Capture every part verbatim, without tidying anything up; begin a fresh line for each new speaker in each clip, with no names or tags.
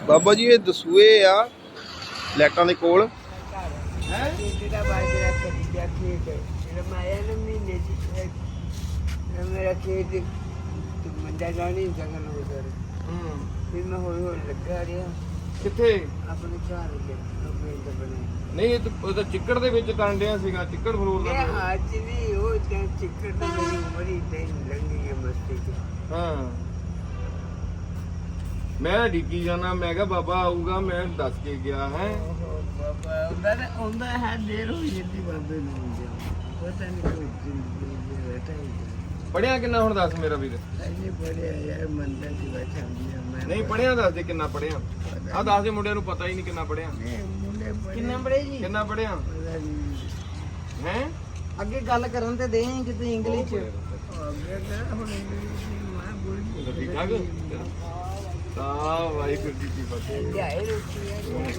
ਬਾਬਾ ਜੀ ਇਹ ਦਸੂਏ ਆ ਲੈਟਾਂ ਦੇ ਕੋਲ
ਹੈ ਜਿਹੜਾ ਬਾਜਰਾ ਖਰੀਦਿਆ ਖੇਤ ਰਮਾਇਆ ਨਾ ਮਹੀਨੇ ਦੀ ਮੇਰਾ ਖੇਤ ਮੰਦਾ ਜਾਣੀ ਜਗਨ ਉਧਰ
ਹੂੰ
ਫਿਰ ਮੈਂ ਹੌਲੀ ਹੌਲੀ ਲੱਗਾ ਰਿਹਾ
ਕਿੱਥੇ
ਆਪਣੇ ਘਰ ਦੇ ਆਪਣੇ ਦੇ ਬਣੇ
ਨਹੀਂ ਇਹ ਤਾਂ ਉਹ ਤਾਂ ਚਿੱਕੜ ਦੇ ਵਿੱਚ ਟਾਂਡਿਆ ਸੀਗਾ ਚਿੱਕੜ ਫਲੋਰ ਦਾ
ਮੇਰਾ ਹੱਥ ਨਹੀਂ ਉਹ ਤਾਂ ਚਿੱਕੜ ਦਾ ਮੇਰੀ ਉਮਰ ਹੀ ਤਾਂ ਲੰਗੀ ਹੈ ਮਸਤੀ ਚ
ਹਾਂ ਮੈਂ ਢੀਕੀ ਜਾਣਾ ਮੈਂ ਕਿਹਾ ਬਾਬਾ ਆਊਗਾ ਮੈਂ ਦੱਸ ਕੇ ਗਿਆ ਹੈ
ਓਹੋ ਬਾਬਾ ਉਹਦਾ ਨਾ ਉਹਦਾ ਹੈ ਦੇਰ ਹੋਈ ਜਾਂਦੀ ਬਾਬੇ ਨੂੰ ਪਤਾ ਨਹੀਂ ਕੋਈ ਜ਼ਿੰਦਗੀ ਬੈਠਾ ਹੀ
ਪੜਿਆ ਕਿੰਨਾ ਹੁਣ ਦੱਸ ਮੇਰਾ ਵੀਰ
ਐਨੇ ਬੜੇ ਯਾਰ ਮੰਦਰ ਦੀ ਬੈਠਾ ਹੁੰਦੀ ਆ ਮੈਂ
ਨਹੀਂ ਪੜਿਆ ਦੱਸ ਦੇ ਕਿੰਨਾ ਪੜਿਆ ਆ ਦੱਸ ਦੇ ਮੁੰਡਿਆਂ ਨੂੰ ਪਤਾ ਹੀ ਨਹੀਂ ਕਿੰਨਾ ਪੜਿਆ
ਮੁੰਡੇ ਬੜੇ
ਕਿੰਨੇ ਬੜੇ ਜੀ
ਕਿੰਨਾ ਪੜਿਆ
ਪਤਾ ਨਹੀਂ
ਹੈ
ਅੱਗੇ ਗੱਲ ਕਰਨ ਤੇ ਦੇ ਕਿਤੇ ਇੰਗਲਿਸ਼ ਚ
ਅੱਗੇ ਨਾ ਹੁਣ ਇੰਗਲਿਸ਼ ਦੀ ਮਾਂ ਬੋਲੀ
ਠੀਕ ਠਾਕ ਤਾਂ ਵਾਹਿਗੁਰੂ ਜੀ ਕੀ ਫਤਿਹ
ਲਿਆਏ ਰੋਟੀ ਹੈ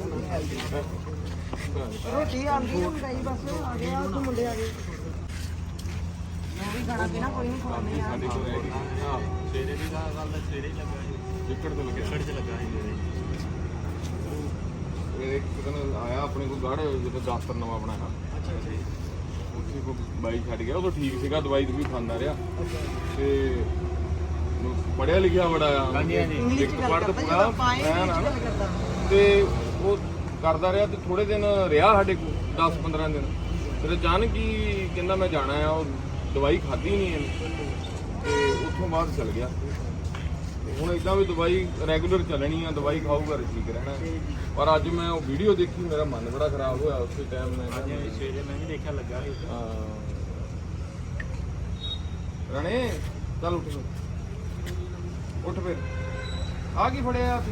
ਰੋਟੀ ਆਂਦੀ ਹੈ ਮਕਾਈ ਬਸ ਆ ਗਿਆ ਉਹ ਮੁੰਡੇ ਆ ਗਏ ਮੈਂ ਵੀ ਖਾਣਾ ਪੀਣਾ ਕੋਈ ਨਹੀਂ ਖਾਣੇ ਆ
ਸਾਡੇ ਕੋਲ ਹੈਗੀ ਹਾਂ
ਸਵੇਰੇ ਵੀ ਗੱਲ ਦਾ ਸਵੇਰੇ ਹੀ ਲੱਗਾ ਸੀ
ਚਿੱਕੜ ਤੋਂ ਲੱਗਿਆ
ਛੜ ਚ ਲੱਗਾ ਸੀ ਮੇਰੇ
ਇਹ ਇੱਕ ਦਿਨ ਆਇਆ ਆਪਣੇ ਕੋਲ ਗੜ ਜਦੋਂ ਦਫ਼ਤਰ ਨਵਾਂ ਬਣਾਇਆ
ਅੱਛਾ ਜੀ
ਉੱਥੇ ਕੋ ਬਾਈ ਛੱਡ ਗਿਆ ਉਦੋਂ ਠੀਕ ਸੀਗਾ ਦਵਾਈ ਵੀ ਖਾਂਦਾ ਰਿਹਾ ਤੇ ਪੜਿਆ ਲਿਖਿਆ ਬੜਾ ਆ
ਹਾਂਜੀ, ਹਾਂਜੀ।
ਇੰਗਲਿਸ਼
ਇੱਕ
ਚ ਗੱਲ
ਪੜ੍ਹ
ਕਰਦਾ
ਪੂਰਾ
ਜਦੋਂ ਪਾਏ
ਐਨ ਆ
ਇੰਗਲਿਸ਼
ਨਾ।
ਗੱਲ ਕਰਦਾ
ਤੇ ਉਹ ਕਰਦਾ ਰਿਹਾ ਤੇ ਥੋੜੇ ਦਿਨ ਰਿਹਾ ਸਾਡੇ ਕੋਲ ਦਸ ਪੰਦਰਾਂ ਦਿਨ ਫਿਰ ਅਚਾਨਕ ਹੀ ਕਹਿੰਦਾ ਮੈਂ ਜਾਣਾ ਆ ਉਹ ਦਵਾਈ ਖਾਧੀ ਨਹੀਂ ਇਹਨੇ ਤੇ ਉੱਥੋਂ ਬਾਅਦ ਚਲ ਗਿਆ ਤੇ ਹੁਣ ਇਦਾਂ ਵੀ ਦਵਾਈ ਰੈਗੂਲਰ ਚੱਲਣੀ ਆ ਦਵਾਈ ਖਾਊਗਾ ਤੇ ਠੀਕ ਰਹਿਣਾ ਪਰ ਅੱਜ ਮੈਂ ਉਹ ਵੀਡੀਓ ਦੇਖੀ ਮੇਰਾ ਮਨ ਬੜਾ ਖਰਾਬ ਹੋਇਆ ਉਸੇ ਟਾਈਮ ਮੈਂ
ਹਾਂਜੀ
ਕਿਹਾ,
ਸਵੇਰੇ ਮੈਂ ਵੀ ਦੇਖਿਆ ਲੱਗਾ ਸੀ ਉੱਥੇ।
ਹਾਂ। ਰਣੇ ਚੱਲ ਉੱਠ ਫਿਰ। ਉੱਠ ਫਿਰ ਆ ਕੀ ਫੜਿਆ ਆ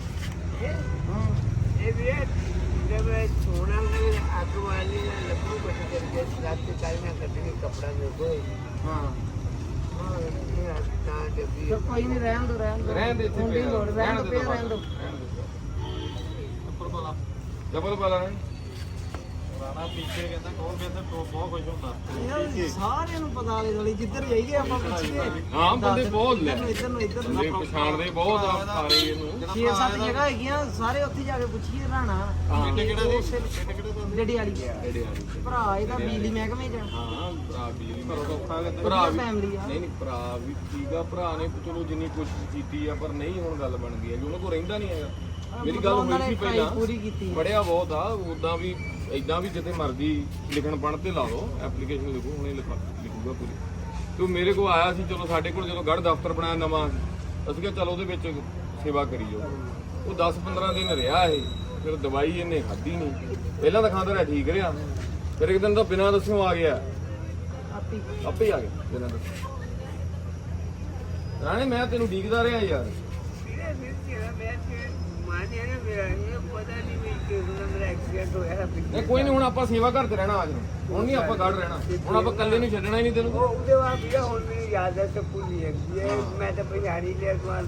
ਇਹ ਵੀ जब सोना में आग वाली लकड़ी बच करके रात के काल में कटने कपड़ा में कोई
ਹਾਂ
हाँ ये ना जब
ਚਲ ਕੋਈ ਨਹੀਂ ਰਹਿਣ ਦੋ ਰਹਿਣ ਦੋ
ਰਹਿਣ ਦੇ ਇੱਥੇ
ਹੁੰਦੀ
ਪਿਆ।
ਲੋੜ ਰਹਿਣ ਦੋ ਪਿਆ ਰਹਿਣ ਦੋ
ਉੱਪਰ ਵਾਲਾ ਡਬਲ ਵਾਲਾ ਨਹੀਂ
ਰਾਣਾ ਪੀਛੇ ਕਹਿੰਦਾ ਕੌਣ ਕਹਿੰਦਾ ਬਹੁਤ ਖੁਸ਼ ਹੁੰਦਾ
ਯਾਰ ਸਾਰਿਆਂ ਨੂੰ ਪਤਾ ਆਲੇ ਦੁਆਲੇ ਜਿੱਧਰ ਜਾਈਏ ਆਪਾਂ ਪੁੱਛੀਏ
ਹਾਂ ਬੰਦੇ ਬਹੁਤ ਲੈ
ਇੱਧਰ ਨੂੰ ਇੱਧਰ ਨੂੰ
ਬੰਦੇ ਪਛਾਣਦੇ ਬਹੁਤ ਆ ਸਾਰੇ ਇਹਨੂੰ
ਛੇ ਸੱਤ ਜਗ੍ਹਾ ਹੈਗੀਆਂ ਸਾਰੇ ਉੱਥੇ ਜਾ ਕੇ ਪੁੱਛੀਏ ਰਾਣਾ
ਹਾਂ
ਕਿਹੜਾ ਦੀ
ਉਸੇ ਡੇਡੀ ਵਾਲੀ
ਜਿਹੜੇ ਆ
ਭਰਾ ਇਹਦਾ ਬਿਜਲੀ ਮਹਿਕਮੇ ਚ
ਹਾਂ ਭਰਾ ਬਿਜਲੀ ਭਰਾ ਔਖਾ ਭਰਾ ਵੀ
ਫੈਮਿਲੀ ਆ
ਨਹੀਂ ਨਹੀਂ ਭਰਾ ਵੀ ਠੀਕ ਆ ਭਰਾ ਨੇ ਚਲੋ ਜਿੰਨੀ ਕੋਸ਼ਿਸ਼ ਕੀਤੀ ਆ ਪਰ ਨਹੀਂ ਹੁਣ ਗੱਲ ਬਣ ਗਈ ਆ ਉਹਨਾਂ ਕੋਲ ਰਹਿੰਦਾ ਨਹੀਂ ਹੈਗਾ ਮੇਰੀ ਗੱਲ
ਉਹਨਾਂ
ਹੋਈ
ਨੇ
ਸੀ ਪਹਿਲਾਂ
ਪੂਰੀ ਕੀਤੀ
ਪੜਿਆ ਬਹੁਤ ਆ ਉਦਾਂ ਵੀ ਇਦਾਂ ਵੀ ਜਿੱਥੇ ਮਰਜ਼ੀ ਲਿਖਣ ਪੜ੍ਹ ਤੇ ਲਾ ਲਓ ਐਪਲੀਕੇਸ਼ਨ ਲਿਖੋ ਹੁਣੇ ਲਿਖਾ ਲਿਖੂਗਾ ਪੂਰੀ ਤੇ ਉਹ ਮੇਰੇ ਕੋਲ ਆਇਆ ਸੀ ਚਲੋ ਸਾਡੇ ਕੋਲ ਜਦੋਂ ਗੜ੍ਹ ਦਫ਼ਤਰ ਬਣਾਇਆ ਨਵਾਂ ਅਸੀਂ ਕਿਹਾ ਚਲੋ ਉਹਦੇ ਵਿੱਚ ਸੇਵਾ ਕਰੀ ਜਾਓ ਉਹ ਦਸ ਪੰਦਰਾਂ ਦਿਨ ਰਿਹਾ ਇਹ ਫਿਰ ਦਵਾਈ ਇਹਨੇ ਖਾਧੀ ਨਹੀਂ ਪਹਿਲਾਂ ਤਾਂ ਖਾਂਦਾ ਰਿਹਾ ਠੀਕ ਰਿਹਾ ਫਿਰ ਇੱਕ ਦਿਨ ਤਾਂ ਬਿਨਾਂ ਦੱਸਿਓ ਆ ਗਿਆ
ਆਪੀ
ਆਪੇ ਹੀ ਆ ਗਿਆ ਬਿਨਾਂ ਦੱਸੇ ਰਾਣੇ ਮੈਂ ਤੈਨੂੰ ਡੀਕਦਾ ਰਿਹਾ ਯਾਰ
मेरा फिर तेरा मैं फिर माने ना मेरा ये पता नहीं मैं कि मेरा एक्सीडेंट हो गया
ਨਹੀਂ ਕੋਈ ਨਹੀਂ ਹੁਣ ਆਪਾਂ ਸੇਵਾ ਘਰ ਤੇ ਰਹਿਣਾ ਅੱਜ ਨੂੰ ਹੁਣ ਨਹੀਂ ਆਪਾਂ ਗੜ ਰਹਿਣਾ ਹੁਣ ਆਪਾਂ ਇਕੱਲੇ ਨੂੰ ਛੱਡਣਾ ਹੀ ਨਹੀਂ ਤੈਨੂੰ
वो उधर वहाँ भैया और मेरी याद है तो भूल ही है ये मैं तो बिहारी ले वहाँ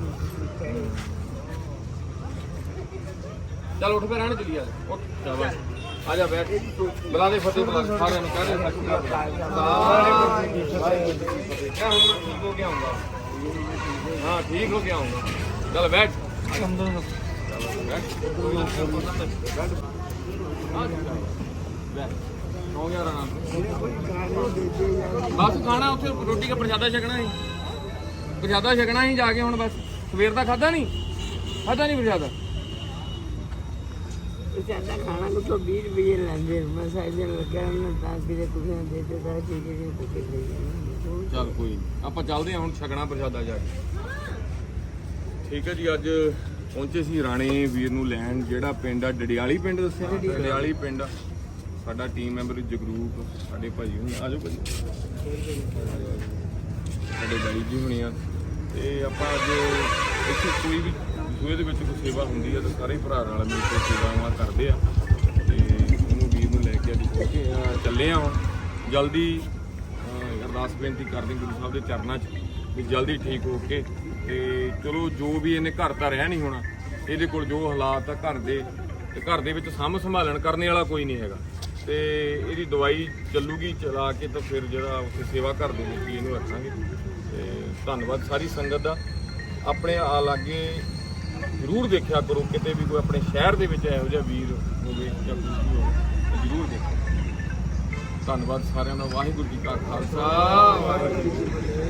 ਚੱਲ ਉੱਠ ਕੇ ਰਹਿਣ ਚਲੀ ਆ ਉੱਠ ਸ਼ਾਬਾਸ਼ ਆ ਜਾ ਬੈਠ ਬੁਲਾ ਦੇ ਫਤਿਹ ਬੁਲਾ ਦੇ, ਸਾਰਿਆਂ ਨੂੰ ਕਹਿ ਦੇ ਸਤਿ ਸ਼੍ਰੀ ਅਕਾਲ ਕਿਆ ਹੁਣ ਮੈਂ ਠੀਕ ਹੋ ਕੇ ਆਉਂਗਾ ਹਾਂ ਠੀਕ ਹੋ ਕੇ ਆਉਂਗਾ ਚੱਲ ਬੈਠ ਅੰਦਰ ਬੈਠ ਬੈਠ ਹਾਂ ਬੈਠ ਹੋ ਗਿਆ ਰਾਣਾ ਬਸ ਖਾਣਾ ਉੱਥੇ ਰੋਟੀ ਦਾ ਪ੍ਰਸ਼ਾਦਾ ਛਕਣਾ ਸੀ ਪ੍ਰਸ਼ਾਦਾ ਛਕਣਾ ਸੀ ਜਾ ਕੇ ਹੁਣ ਬਸ ਸਵੇਰ ਦਾ ਖਾਦਾ ਨਹੀਂ ਖਾਦਾ ਨਹੀਂ ਪ੍ਰਸ਼ਾਦਾ
ज्यादा खाना को तो बीस बजे लेंगे मैं साइड लगा ना ताकि किसी कुछ देते था चीजें के कुछ ले
ਚੱਲ ਕੋਈ ਨੀ। ਆਪਾਂ ਚੱਲਦੇ ਹਾਂ ਹੁਣ ਛਕਣਾ ਪ੍ਰਸ਼ਾਦਾ ਜਾ ਕੇ ਠੀਕ ਹੈ ਜੀ ਅੱਜ ਪਹੁੰਚੇ ਸੀ ਰਾਣੇ ਵੀਰ ਨੂੰ ਲੈਣ ਜਿਹੜਾ ਪਿੰਡ ਆ ਡੜਿਆਲੀ ਪਿੰਡ ਦੱਸਿਆ ਡੜਿਆਲੀ ਪਿੰਡ ਸਾਡਾ ਟੀਮ ਮੈਂਬਰ ਜਗਰੂਪ ਸਾਡੇ ਭਾਜੀ ਹੁਣੀ ਆਜੋ ਭਾਜੀ ਸਾਡੇ ਬਾਈ ਜੀ ਹੁਣੀ ਆ ਤੇ ਆਪਾਂ ਅੱਜ ਇੱਥੇ ਕੋਈ ਵੀ ਸੂਏ ਦੇ ਵਿੱਚ ਕੋਈ ਸੇਵਾ ਹੁੰਦੀ ਆ ਤਾਂ ਸਾਰੇ ਭਰਾ ਨਾਲ ਮਿਲ ਕੇ ਸੇਵਾਵਾਂ ਕਰਦੇ ਆ ਤੇ ਉਹਨੂੰ ਵੀਰ ਨੂੰ ਲੈ ਕੇ ਅੱਜ ਪਹੁੰਚੇ ਆ ਚੱਲੇ ਆ ਹੁਣ ਜਲਦੀ ਅਰਦਾਸ ਬੇਨਤੀ ਕਰਦੇ ਗੁਰੂ ਸਾਹਿਬ ਦੇ ਚਰਨਾਂ 'ਚ ਵੀ ਜਲਦੀ ਠੀਕ ਹੋ ਕੇ ਤੇ ਚਲੋ ਜੋ ਵੀ ਇਹਨੇ ਘਰ ਤਾਂ ਰਹਿ ਨਹੀਂ ਹੋਣਾ ਇਹਦੇ ਕੋਲ ਜੋ ਹਾਲਾਤ ਆ ਘਰ ਦੇ ਤੇ ਘਰ ਦੇ ਵਿੱਚ ਸਾਂਭ ਸੰਭਾਲਣ ਕਰਨੇ ਵਾਲਾ ਕੋਈ ਨਹੀਂ ਹੈਗਾ ਤੇ ਇਹਦੀ ਦਵਾਈ ਚੱਲੂਗੀ ਚਲਾ ਕੇ ਤਾਂ ਫਿਰ ਜਿਹੜਾ ਉੱਥੇ ਸੇਵਾ ਘਰ ਦੇ ਵਿੱਚ ਇਹਨੂੰ ਰੱਖਾਂਗੇ ਤੇ ਧੰਨਵਾਦ ਸਾਰੀ ਸੰਗਤ ਦਾ ਆਪਣੇ ਆ ਲਾਗੇ ਜ਼ਰੂਰ ਦੇਖਿਆ ਕਰੋ, ਕਿਤੇ ਵੀ ਕੋਈ ਆਪਣੇ ਸ਼ਹਿਰ ਦੇ ਵਿੱਚ ਇਹੋ ਜਿਹਾ ਵੀਰ ਹੋਵੇ ਜਾਂ ਕੋਈ ਵੀ ਹੋਵੇ ਤਾਂ ਜ਼ਰੂਰ ਦੇਖੋ। ਧੰਨਵਾਦ ਸਾਰਿਆਂ ਦਾ। ਵਾਹਿਗੁਰੂ ਜੀ ਕਾ ਖਾਲਸਾ, ਵਾਹਿਗੁਰੂ ਜੀ ਕੀ ਫਤਿਹ।